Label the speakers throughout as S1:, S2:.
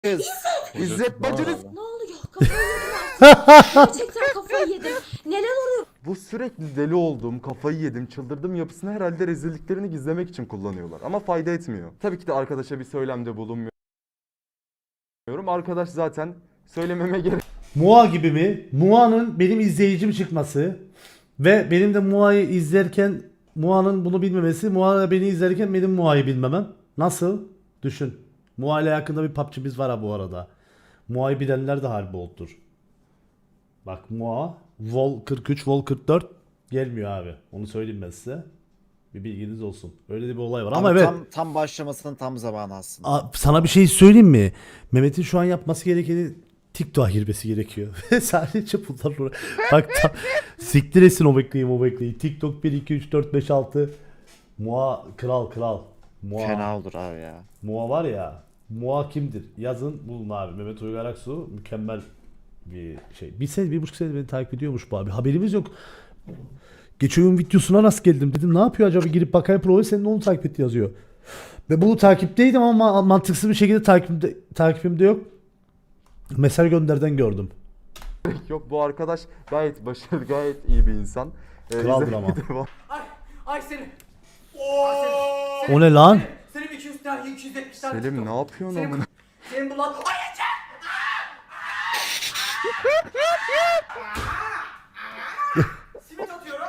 S1: kız.
S2: İzzet bacınız.
S3: Ne oluyor? Kafayı yedim artık. Gerçekten kafayı yedim. Neler oluyor?
S2: Bu sürekli deli olduğum, kafayı yedim, çıldırdım yapısını herhalde rezilliklerini gizlemek için kullanıyorlar. Ama fayda etmiyor. Tabii ki de arkadaşa bir söylemde bulunmuyorum. Arkadaş zaten söylememe gerek
S4: Mua gibi mi? Mua'nın benim izleyicim çıkması ve benim de Mua'yı izlerken Mua'nın bunu bilmemesi, Mua'yla beni izlerken benim Mua'yı bilmemem. Nasıl? Düşün. Mua ile yakında bir PUBG'miz var ha bu arada. Mua'yı bilenler de harbi oldur. Bak Mua, Vol 43, Vol 44 gelmiyor abi. Onu söyleyeyim ben size. Bir bilginiz olsun. Öyle de bir olay var ama
S1: Abi
S4: evet.
S1: tam başlamasının tam zamanı aslında.
S4: Sana bir şey söyleyeyim mi? Mehmet'in şu an yapması gerekeni TikTok'a girmesi gerekiyor. Sadece bunlar bak siktir etsin o bekleyi. TikTok 1 2 3 4 5 6 Mua kral. Mua.
S1: Fena olur abi ya.
S4: Mua var ya. Mua kimdir? Yazın bulun abi. Mehmet Uygar Aksu mükemmel bir şey. Bir sene, 1,5 sene beni takip ediyormuş bu abi. Haberimiz yok. Geçen gün videosuna rast geldim. Dedim ne yapıyor acaba, girip bakayım profil senin onu takip etti yazıyor. Ve bunu takipteydim ama mantıksız bir şekilde takipimde yok. Mesaj gönderden gördüm.
S2: yok. Bu arkadaş gayet başarılı, gayet iyi bir insan.
S4: Kraldır ama.
S2: Devam.
S5: Ay Selim.
S4: O ne lan?
S5: Selim 200 tane 270 tane.
S2: Selim ne yapıyorsun
S5: Selim,
S2: amına?
S5: Selim bu lan. Ay yeter. Simit atıyorum.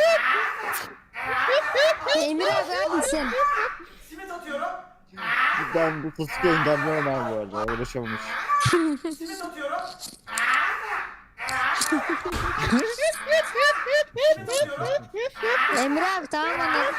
S6: Emir abi neredesin?
S5: Simit atıyorum.
S1: Ben bu fıstıkı engellemem abi bu arada. Uğraşamamış.
S5: Simit atıyorum.
S6: Emir abi tamam anladım.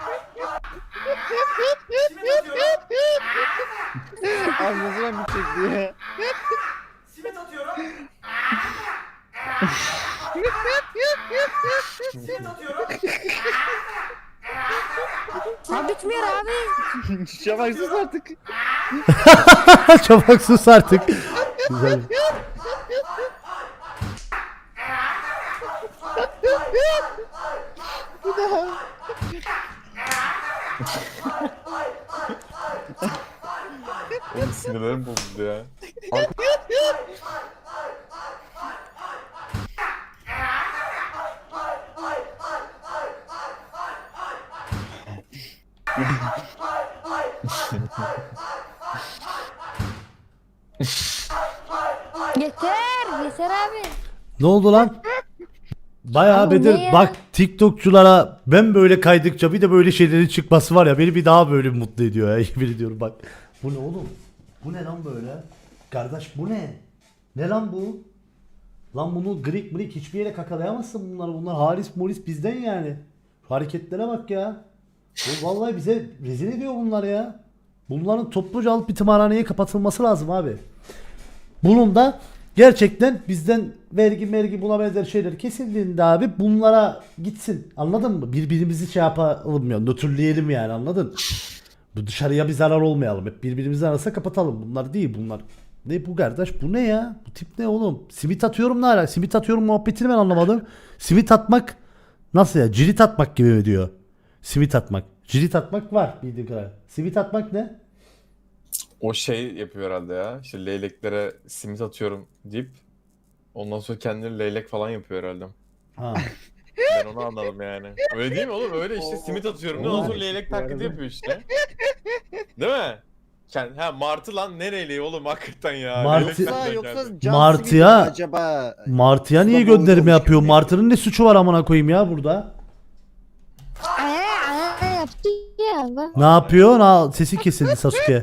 S5: Simit atıyorum.
S1: Abi ne zaman bitecek diye.
S5: Simit atıyorum. Simit atıyorum.
S6: Abi bitmiyor abi.
S1: Şafak sus artık.
S4: Çabuk sus artık. Güzel.
S7: Oğlum sinirlerim bozuldu ya.
S6: Yeter abi.
S4: Ne oldu lan? Bayağı
S6: Ama ne
S4: Bedir
S6: ya?
S4: bak, TikTokçulara ben böyle kaydıkça bir de böyle şeylerin çıkması var ya, beni bir daha böyle mutlu ediyor ya. Yemin ediyorum bak. Bu ne oğlum? Bu ne lan böyle? Kardeş bu ne? Ne lan bu? Lan bunu Greek hiçbir yere kakalayamazsın bunlar. Bunlar Haris Moris bizden yani. Şu hareketlere bak ya. Bu vallahi bize rezil ediyor bunlar ya. Bunların topluca alıp bir tımarhaneye kapatılması lazım abi. Bunun da gerçekten bizden vergi buna benzer şeyler kesildiğinde abi bunlara gitsin. Anladın mı? Birbirimizi şey yapalım ya. Nötrleyelim yani, anladın? Bu dışarıya bir zarar olmayalım. Hep birbirimizin arasında kapatalım. Bunlar değil bunlar. Ne bu kardeş? Bu ne ya? Bu tip ne oğlum? Simit atıyorum ne ala? Simit atıyorum muhabbetini ben anlamadım. Simit atmak nasıl ya? Cirit atmak gibi mi diyor? Simit atmak. Cirit atmak var bildiğim kadar. Simit atmak ne?
S7: O şey yapıyor herhalde ya. İşte leyleklere simit atıyorum deyip ondan sonra kendini leylek falan yapıyor herhalde.
S4: Ha.
S7: Ben onu anladım yani. Öyle değil mi oğlum? Öyle işte simit atıyorum. Ne ondan sonra leylek taklidi yapıyor işte. Değil mi? Martı lan, ne leyleği oğlum hakikaten ya.
S4: Martı-
S7: Leylek nereden
S1: Yoksa
S7: geldi?
S1: Can
S4: Martıya-
S1: Smith mi acaba?
S4: Martı'ya niye
S1: Suda boğulmuş
S4: gönderme yapıyor?
S1: gibi.
S4: Martı'nın ne suçu var amına koyayım ya burada?
S6: Aa yaptı ya bak.
S4: Ne yapıyor? Sesi kesildi Sasuke.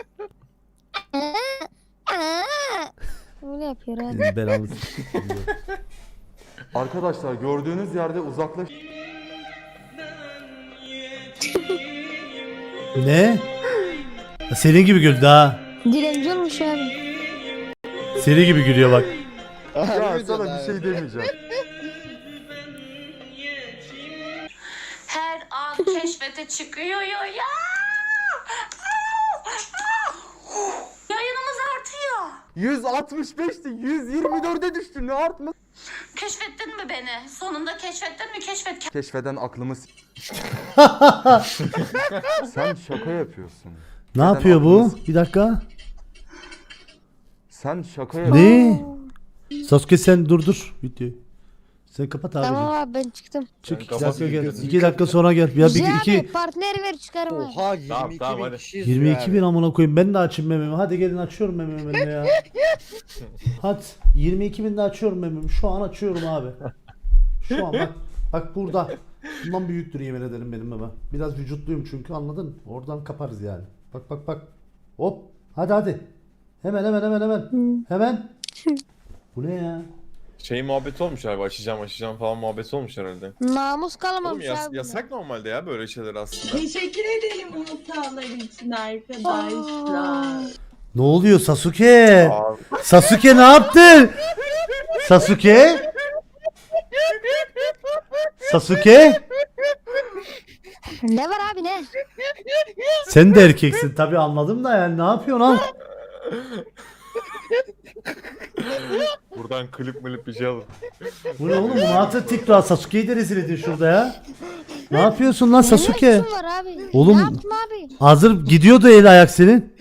S6: Öyle yapıyor abi.
S4: Belanı.
S2: Arkadaşlar gördüğünüz yerde uzaklaş.
S4: Ne? Senin gibi güldü ha.
S6: Dilenci olmuş abi.
S4: Senin gibi gülüyor bak.
S2: Ya sana bir şey demeyeceğim.
S3: Her an keşfete çıkıyor ya. Yayınımız artıyor.
S2: 165'ti, 124'e düştü. Ne artma?
S3: Keşfettin mi beni? Sonunda keşfettin mi?
S2: Keşfeden aklımı Sen şaka yapıyorsun.
S4: Ne yapıyor bu? Bir dakika.
S2: Sen şaka
S4: Ne? Sasuke sen dur videoyu. Sen kapat abi.
S6: Tamam abi ben çıktım.
S4: Çık
S7: Sen
S4: 2 dakika
S7: kapat.
S4: gel. 2 dakika sonra gel. Ya
S6: Güzel
S4: bir
S6: abi
S4: iki
S6: partner ver çıkarım abi.
S1: Oha 22
S7: Tamam,
S1: bin
S7: hadi.
S1: kişi izliyor
S4: 22 bin
S1: abi.
S4: amına koyayım. Ben de açayım mememi. Hadi gelin açıyorum mememi ben de ya. Hadi 22 bin de açıyorum mememi. Şu an açıyorum abi. Şu an bak. Bak burada. Bundan büyüktür yemin ederim benim meme. Biraz vücutluyum çünkü anladın mı? Oradan kaparız yani. Bak. Hop. Hadi. Hemen. Hemen. Bu ne ya?
S7: Şey muhabbeti olmuş abi, açacağım falan muhabbeti olmuş herhalde.
S6: Namus
S7: Oğlum
S6: kalamamış abi.
S7: yasak normalde ya böyle şeyler aslında.
S8: Teşekkür ederim hatalar için arkadaşlar.
S4: Ne oluyor Sasuke?
S7: Abi,
S4: Sasuke ne yaptın? Sasuke? Sasuke?
S6: Ne var abi ne?
S4: Sen de erkeksin tabi anladım da yani ne yapıyorsun lan?
S7: buradan klip bir şey alın.
S4: Bu ne oğlum? Bunu atın TikTok'a Sasuke'yi de rezil edin şurada ya. Ne yapıyorsun lan
S6: Ne
S4: Sasuke?
S6: lüksün var abi?
S4: Oğlum-
S6: Ne yaptın abi?
S4: Hazır gidiyordu el ayak senin.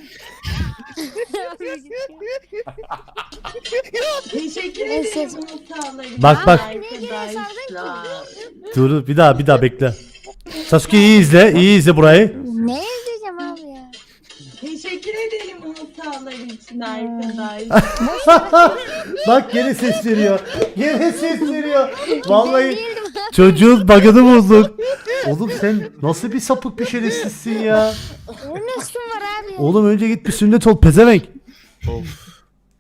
S8: Teşekkür
S6: En
S8: ederim
S6: ses-
S8: hatalar için
S4: Bak.
S8: arkadaşlar.
S4: Dur bir daha bekle. Sasuke iyi izle burayı.
S6: Ne izleyeceğim abi ya?
S8: Teşekkür ederim hatalar için arkadaşlar.
S4: Bak gene ses veriyor. Vallahi
S6: Değildim.
S4: çocuğun bug'ını bulduk. Oğlum sen nasıl bir sapık bir şerefsizsin ya.
S6: Ne lüksün var abi ya?
S4: Oğlum önce git bir sünnet ol pezevenk.
S7: Of.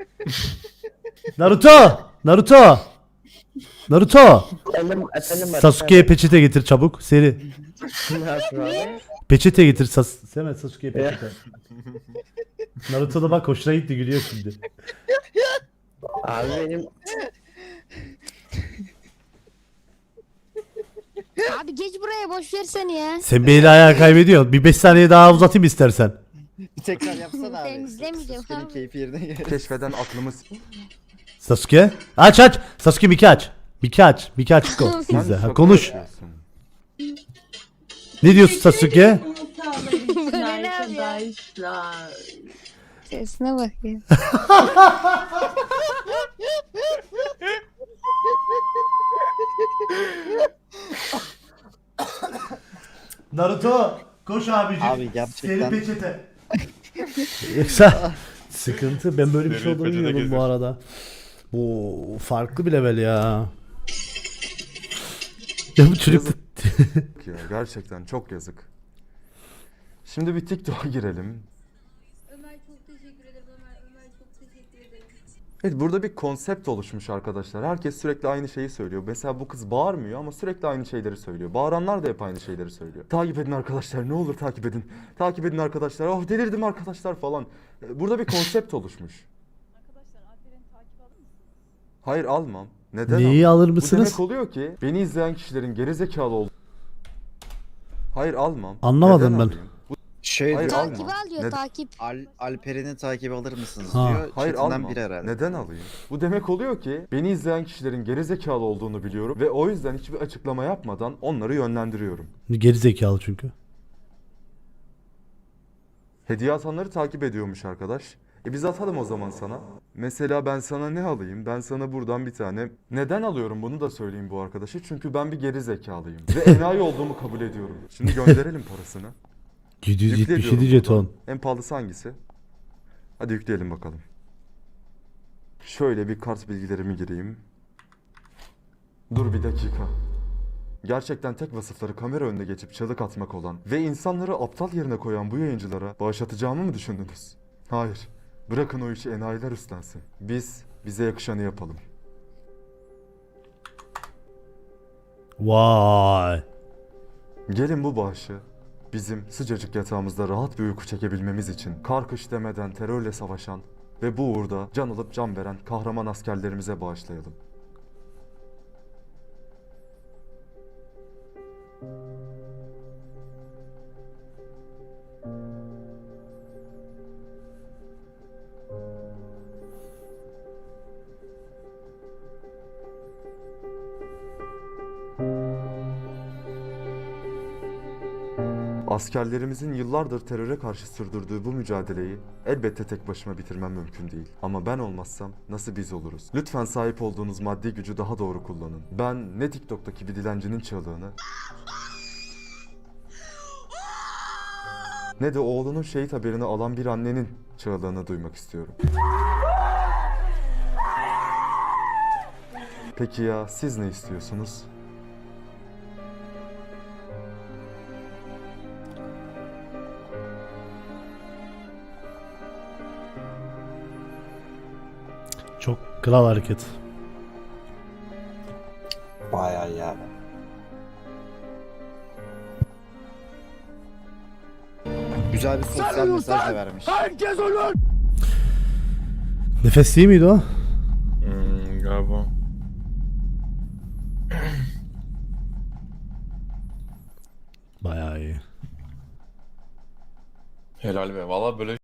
S4: Naruto.
S1: Efendim
S4: Sasuke'ye peçete getir çabuk seri.
S1: Nasıl abi?
S4: Peçete getir Hemen Sasuke'ye peçete. Naruto da bak hoşuna gitti gülüyor şimdi.
S1: Abi benim
S6: Abi geç buraya boş ver seni ya.
S4: Sen beni ayağa kaybediyorsun. Bir 5 saniye daha uzatayım istersen.
S1: bir tekrar yapsana abi.
S6: Ben izlemeyeceğim
S1: Sasuke'nin
S6: abi.
S1: keyfi yerine gelir.
S2: keşfeden aklımız.
S4: Sasuke. Aç. Sasuke Miki aç. Miki aç. Go.
S2: Sen
S4: İzle. Ha,
S2: şaka
S4: konuş.
S2: yapıyorsun.
S4: Ne diyorsun Sasuke?
S8: Hatalar için
S6: Bu ne abi ya?
S8: arkadaşlar.
S6: Sesine bak ya.
S4: Naruto koş abicim.
S1: Abi gerçekten.
S4: Seri peçete. Yoksa sıkıntı. Ben böyle bir şey
S7: Seri
S4: olduğunu
S7: peçete
S4: bilmiyordum bu
S7: getir.
S4: arada. Bu farklı bir level ya. Ya bu çocuk
S2: Ya, gerçekten çok yazık. Şimdi bir TikTok'a girelim.
S3: Ömer çok teşekkür ederim Ömer çok teşekkür ederim.
S2: Evet, burada bir konsept oluşmuş arkadaşlar. Herkes sürekli aynı şeyi söylüyor. Mesela bu kız bağırmıyor ama sürekli aynı şeyleri söylüyor. Bağıranlar da hep aynı şeyleri söylüyor. Takip edin arkadaşlar, ne olur takip edin. Takip edin arkadaşlar. Oh delirdim arkadaşlar falan. Burada bir konsept oluşmuş. Hayır almam. Neden
S4: Neyi
S2: almam?
S4: alır
S2: Bu
S4: mısınız?
S2: demek oluyor ki beni izleyen kişilerin gerizekalı olduğu. Hayır almam.
S4: Anlamadım
S2: Neden
S4: ben.
S2: alayım?
S1: Şey
S2: Hayır,
S1: diyor,
S2: alma.
S6: Takip al diyor
S2: Neden?
S6: takip.
S1: Alperen'i takip alır mısınız
S4: Ha.
S1: diyor.
S2: Hayır
S1: Chatinden
S2: almam.
S1: biri herhalde.
S2: Neden alayım? Bu demek oluyor ki beni izleyen kişilerin gerizekalı olduğunu biliyorum ve o yüzden hiçbir açıklama yapmadan onları yönlendiriyorum.
S4: Geri zekalı çünkü.
S2: Hediye atanları takip ediyormuş arkadaş. Biz atalım o zaman sana. Mesela ben sana ne alayım? Ben sana buradan bir tane... Neden alıyorum bunu da söyleyeyim bu arkadaşı. Çünkü ben bir geri zekalıyım. Ve enayi olduğumu kabul ediyorum. Şimdi gönderelim parasını.
S4: 777
S2: Yükle diyorum
S4: jeton.
S2: buradan. En pahalısı hangisi? Hadi yükleyelim bakalım. Şöyle bir kart bilgilerimi gireyim. Dur bir dakika. Gerçekten tek vasıfları kamera önüne geçip çığlık atmak olan ve insanları aptal yerine koyan bu yayıncılara bağışlatacağımı mı düşündünüz? Hayır. Bırakın o işi enayiler üstlensin. Biz bize yakışanı yapalım.
S4: Vay.
S2: Gelin bu bağışı bizim sıcacık yatağımızda rahat bir uyku çekebilmemiz için kar kış demeden terörle savaşan ve bu uğurda can alıp can veren kahraman askerlerimize bağışlayalım. Askerlerimizin yıllardır teröre karşı sürdürdüğü bu mücadeleyi elbette tek başıma bitirmem mümkün değil. Ama ben olmazsam nasıl biz oluruz? Lütfen sahip olduğunuz maddi gücü daha doğru kullanın. Ben ne TikTok'taki bir dilencinin çığlığını ne de oğlunun şehit haberini alan bir annenin çığlığını duymak istiyorum. Peki ya siz ne istiyorsunuz?
S4: Çok kral hareket.
S9: Bayağı iyi abi.
S1: Güzel bir sosyal mesaj da vermiş.
S4: Nefes değil miydi o?
S7: Galiba.
S4: Bayağı iyi.
S7: Helal be. Valla böyle